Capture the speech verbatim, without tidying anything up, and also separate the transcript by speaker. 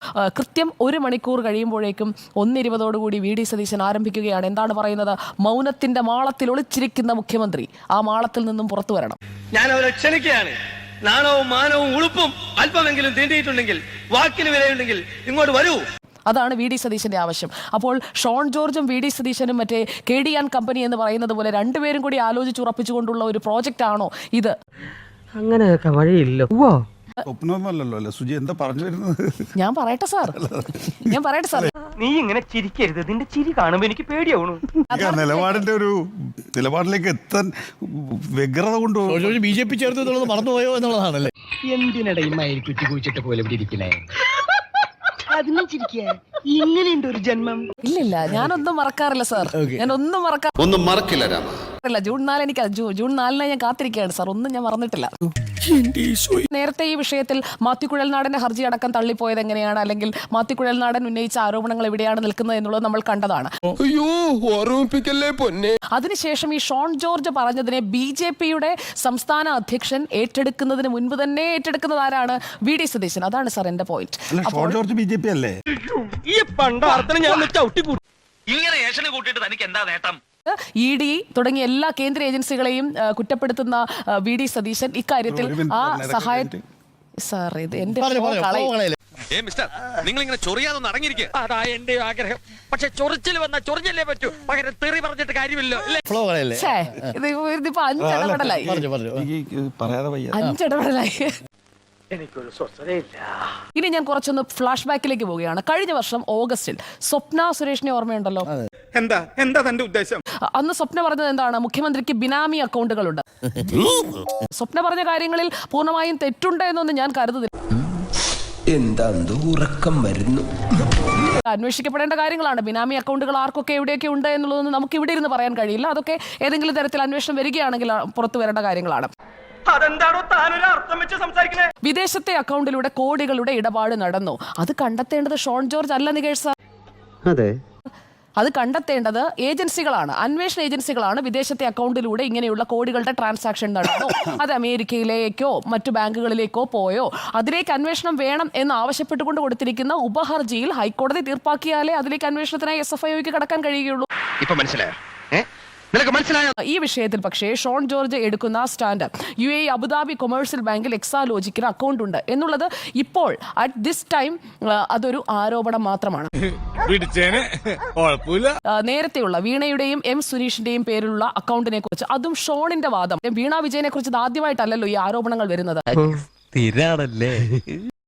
Speaker 1: കൃത്യം ഒരു മണിക്കൂർ കഴിയുമ്പോഴേക്കും ഒന്നിരുപതോടുകൂടി വി ഡി സതീശൻ ആരംഭിക്കുകയാണ്. എന്താണ് പറയുന്നത്? മൗനത്തിന്റെ മാളത്തിൽ ഒളിച്ചിരിക്കുന്ന മുഖ്യമന്ത്രി ആ മാളത്തിൽ നിന്നും പുറത്തു വരണം.
Speaker 2: ഞാൻ അവരെ ക്ഷണിക്കുകയാണ്. നാണവും മാനവും ഉളുപ്പും അല്പമെങ്കിലും തീണ്ടിയിട്ടുണ്ടെങ്കിൽ, വാക്കിന് വിലയുണ്ടെങ്കിൽ ഇങ്ങോട്ട് വരൂ.
Speaker 1: അതാണ് വി ഡി സതീശന്റെ ആവശ്യം. അപ്പോൾ ഷോൺ ജോർജും വി ഡി സതീശനും മറ്റേ കെ ഡി ആൻ കമ്പനി എന്ന് പറയുന്നത് പോലെ രണ്ടുപേരും കൂടി ആലോചിച്ചുറപ്പിച്ചുകൊണ്ടുള്ള ഒരു പ്രോജക്റ്റ് ആണോ ഇത്?
Speaker 3: അങ്ങനെയൊക്കെ വഴിയില്ല.
Speaker 4: സ്വപ്നമൊന്നുമല്ലല്ലോ അല്ലേ സുജി, എന്താ പറഞ്ഞു വരുന്നത്?
Speaker 1: ഞാൻ പറയട്ടെ സാർ, ഞാൻ പറയട്ടെ സാർ.
Speaker 2: നീ ഇങ്ങനെ ചിരിക്കരുത്, നിന്റെ ചിരി കാണുമ്പോ എനിക്ക് പേടിയാവണു.
Speaker 4: നിലപാടിന്റെ ഒരു നിലപാടിലേക്ക് എത്താൻ വ്യഗ്രത കൊണ്ടുപോകും.
Speaker 5: ബി ജെ പി ചേർത്ത് എന്നുള്ളത് മറന്നുപോയോ എന്നുള്ളതാണല്ലേ.
Speaker 3: എന്തിനിടയിൽ കുറ്റി കുഴിച്ചിട്ട് പോലെ ഇവിടെ ഇരിക്കണേ?
Speaker 2: അതിനും ചിരിക്കുക. ഇങ്ങനെയുണ്ട് ഒരു ജന്മം.
Speaker 1: ഇല്ലില്ല, ഞാനൊന്നും മറക്കാറില്ല സാർ. ഞാൻ ഒന്നും മറക്കാ
Speaker 6: ഒന്നും മറക്കില്ല രാമ.
Speaker 1: ജൂൺ നാല് എനിക്ക് ജൂൺ നാലിന് ഞാൻ കാത്തിരിക്കുകയാണ് സാർ. ഒന്നും ഞാൻ മറന്നിട്ടില്ല. നേരത്തെ ഈ വിഷയത്തിൽ മാത്യു കുഴൽനാടന്റെ ഹർജി അടക്കം തള്ളിപ്പോയത് എങ്ങനെയാണ്, അല്ലെങ്കിൽ മാത്യു കുഴൽനാടൻ ഉന്നയിച്ച ആരോപണങ്ങൾ എവിടെയാണ് നിൽക്കുന്നത് എന്നുള്ളത് നമ്മൾ കണ്ടതാണ്. അതിനുശേഷം ഈ ഷോൺ ജോർജ് പറഞ്ഞതിനെ ബി ജെ പിയുടെ സംസ്ഥാന അധ്യക്ഷൻ ഏറ്റെടുക്കുന്നതിന് മുൻപ് തന്നെ ഏറ്റെടുക്കുന്നത് ആരാണ്? V D Satheesan. അതാണ് സാർ എന്റെ point.
Speaker 4: Shone George B J P അല്ലേ?
Speaker 2: ഈ പണ്ടാർത്തിന് ഞാൻ ഇങ്ങനെ ഏഷന് കൂട്ടിയിട്ട് തനിക്ക് എന്താ നേട്ടം?
Speaker 1: ഇ ഡി തുടങ്ങിയ എല്ലാ കേന്ദ്ര ഏജൻസികളെയും കുറ്റപ്പെടുത്തുന്ന വി ഡി സതീശൻ ഇക്കാര്യത്തിൽ ആ സഹായം സാർ ഇത് എന്റെ
Speaker 6: നിങ്ങൾ ഇങ്ങനെ ചൊറിയാതൊന്ന് അടങ്ങിയിരിക്കുക.
Speaker 2: അതാ എന്റെ ആഗ്രഹം. പക്ഷെ ചൊറിച്ചിൽ വന്ന ചൊറിഞ്ഞല്ലേ പറ്റൂ, പകരം തെറി പറഞ്ഞിട്ട് കാര്യമില്ലോ.
Speaker 1: ഇതിപ്പോ അഞ്ചിടപെടലായി
Speaker 4: പറയാതെ വയ്യ.
Speaker 1: അഞ്ചിടപെടലായി
Speaker 2: എനിക്കൊരു സ്വസ്ഥതയില്ല.
Speaker 1: ഇനി ഞാൻ കുറച്ചൊന്ന് ഫ്ലാഷ് ബാക്കിലേക്ക് പോവുകയാണ്. കഴിഞ്ഞ വർഷം ഓഗസ്റ്റിൽ സ്വപ്ന സുരേഷിനെ ഓർമ്മയുണ്ടല്ലോ?
Speaker 7: എന്താ എന്താ തന്റെ ഉദ്ദേശം?
Speaker 1: അന്ന് സ്വപ്ന പറഞ്ഞത് എന്താണ്? മുഖ്യമന്ത്രിക്ക് ബിനാമി അക്കൗണ്ടുകളുണ്ട്. സ്വപ്ന പറഞ്ഞ കാര്യങ്ങളിൽ പൂർണ്ണമായും തെറ്റുണ്ട് എന്നൊന്നും ഞാൻ കരുതുന്നില്ല.
Speaker 8: എന്താ ഉറക്കം വരുന്നു?
Speaker 1: അന്വേഷിക്കപ്പെടേണ്ട കാര്യങ്ങളാണ്. ബിനാമി അക്കൗണ്ടുകൾ ആർക്കൊക്കെ എവിടെയൊക്കെ ഉണ്ട് എന്നുള്ളതൊന്നും നമുക്ക് ഇവിടെ ഇരുന്ന് പറയാൻ കഴിയില്ല. അതൊക്കെ ഏതെങ്കിലും തരത്തിൽ അന്വേഷണം വരികയാണെങ്കിൽ പുറത്തു വരേണ്ട കാര്യങ്ങളാണ്.
Speaker 2: അതെന്താണോ താനൊരു അർത്ഥം വെച്ച് സംസാരിക്കണേ?
Speaker 1: വിദേശത്തെ അക്കൗണ്ടിലൂടെ കോടികളുടെ ഇടപാട് നടന്നു. അത് കണ്ടെത്തേണ്ടത് ഷോൺ ജോർജ് അല്ല നികേഷ് സാർ.
Speaker 3: അതെ,
Speaker 1: അത് കണ്ടെത്തേണ്ടത് ഏജൻസികളാണ്, അന്വേഷണ ഏജൻസികളാണ്. വിദേശത്തെ അക്കൗണ്ടിലൂടെ ഇങ്ങനെയുള്ള കോടികളുടെ ട്രാൻസാക്ഷൻ നടന്നു, അത് അമേരിക്കയിലേക്കോ മറ്റു ബാങ്കുകളിലേക്കോ പോയോ, അതിലേക്ക് അന്വേഷണം വേണം എന്ന് ആവശ്യപ്പെട്ടുകൊണ്ട് കൊടുത്തിരിക്കുന്ന ഉപഹർജിയിൽ ഹൈക്കോടതി തീർപ്പാക്കിയാലേ അതിലേക്ക് അന്വേഷണത്തിനായി എസ് എഫ് ഐക്ക് കടക്കാൻ കഴിയുകയുള്ളൂ.
Speaker 6: ഇപ്പൊ മനസ്സിലായോ?
Speaker 1: ഈ വിഷയത്തിൽ പക്ഷേ ഷോൺ ജോർജ് എടുക്കുന്ന stand U A Abu Dhabi commercial ബാങ്കിൽ എക്സാലോജിക്കിന് അക്കൗണ്ട് ഉണ്ട് എന്നുള്ളത് ഇപ്പോൾ അറ്റ് ദിസ് ടൈം അതൊരു ആരോപണം മാത്രമാണ്. നേരത്തെയുള്ള വീണയുടെയും എം സുനീഷിന്റെയും പേരിലുള്ള അക്കൗണ്ടിനെ കുറിച്ച്, അതും ഷോണിന്റെ വാദം, വീണ വിജയനെ കുറിച്ച് ആദ്യമായിട്ടല്ലല്ലോ ഈ ആരോപണങ്ങൾ വരുന്നത്.